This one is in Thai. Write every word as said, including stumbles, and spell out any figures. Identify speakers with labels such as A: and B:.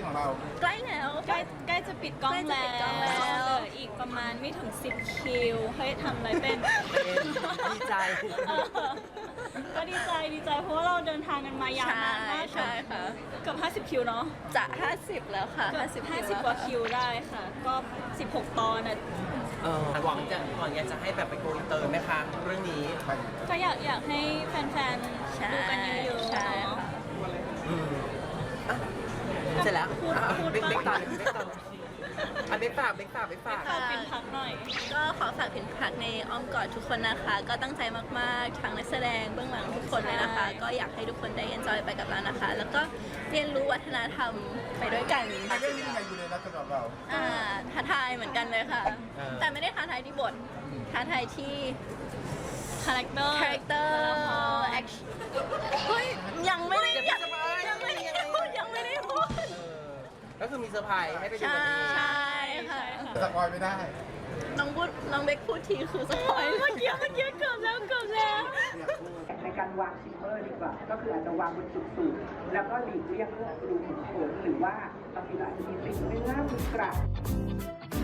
A: ของเรา
B: ใกล้แล้ว
C: ใกล้ใกล้จะปิดกล้อง
B: ใกล้
C: แล้
B: จะปิดกล้องแล้ว
C: วเหลืออีกประมาณไม่ถึงสิบคิวเฮ้ยทำอะไรเป็น
D: ดีใจ
C: เออก็ดีใจดีใจเพราะว่าเราเดินทางกันมายาว
B: ใช่
C: นานมาก
B: ใช่ค่ะ
C: เกือบห้าสิบคิวเนาะ
B: จะห้าสิบแล้วค่ะ
C: เกือบ
B: ห้าสิบ
C: ห้าสิบกว่าคิวได้ค่ะ ก็สิบหกตอนอ่ะ
D: เออหวังจะก่อนอยากจะให้แบบไปโกอินเตอร์ไหมคะเรื่องนี้
C: ก็อยากอยากให้แฟนๆดูกันเยอะๆ
B: ใช่
C: เนาะ
B: ค่ะ
D: อืมอ่ะเสร็จแล้ว
C: พูด
D: อ่ะ
C: พูด
D: เบกเบก
C: บ้าง
D: ต่อเบกต่ออ่ะเบกฝากเบกฝากเบกฝาก
C: ฝากปินพักหน่อย
B: ก็ขอฝากผินพักในอ้อมกอดทุกคนนะคะ ก็ตั้งใจมากๆทั้งนักแสดงเบื้องหลังทุกคนเลยนะคะ
C: ใช่
B: ก็อยากให้ทุกคนได้ enjoy ไปกับเรานะคะ แล้วก็เรียนรู้วัฒนธรรมไปด้วยกัน
A: เรื่องนี้เป็นไงอยู่ในนักสำหรับเรา
B: อ่าท้าทายเหมือนกันเลยค่ะ แต่ไม่ได้ท้าทายที่บทท้าทายที่
C: คาแรคเตอร์
B: คาแรคเตอร์แอคชั่นเฮ้ยยังไม่ได้ยังยังไม่ได้พูดยังไม่ได้พูด
D: เออก็คือมีเซอร์ไพรส์ให้ไปดู
B: ใช่
D: กันเอง
B: ใช่ค่ะ
A: สปอยไม่ได้
B: น้องพูดน้องเบคพูดทีคือสปอย
C: เมื่อกี้เมื่อกี้เกือบแล้วเกือบแล้ว
E: ในการวางซิมเมอร์ดีกว่า ก็คืออาจจะวางบนจุดสูงแล้วก็หลีกเลี่ยงเรื่องรูขุมขนหรือว่าบางทีเราอาจจะมีติดเนื้อมีกระ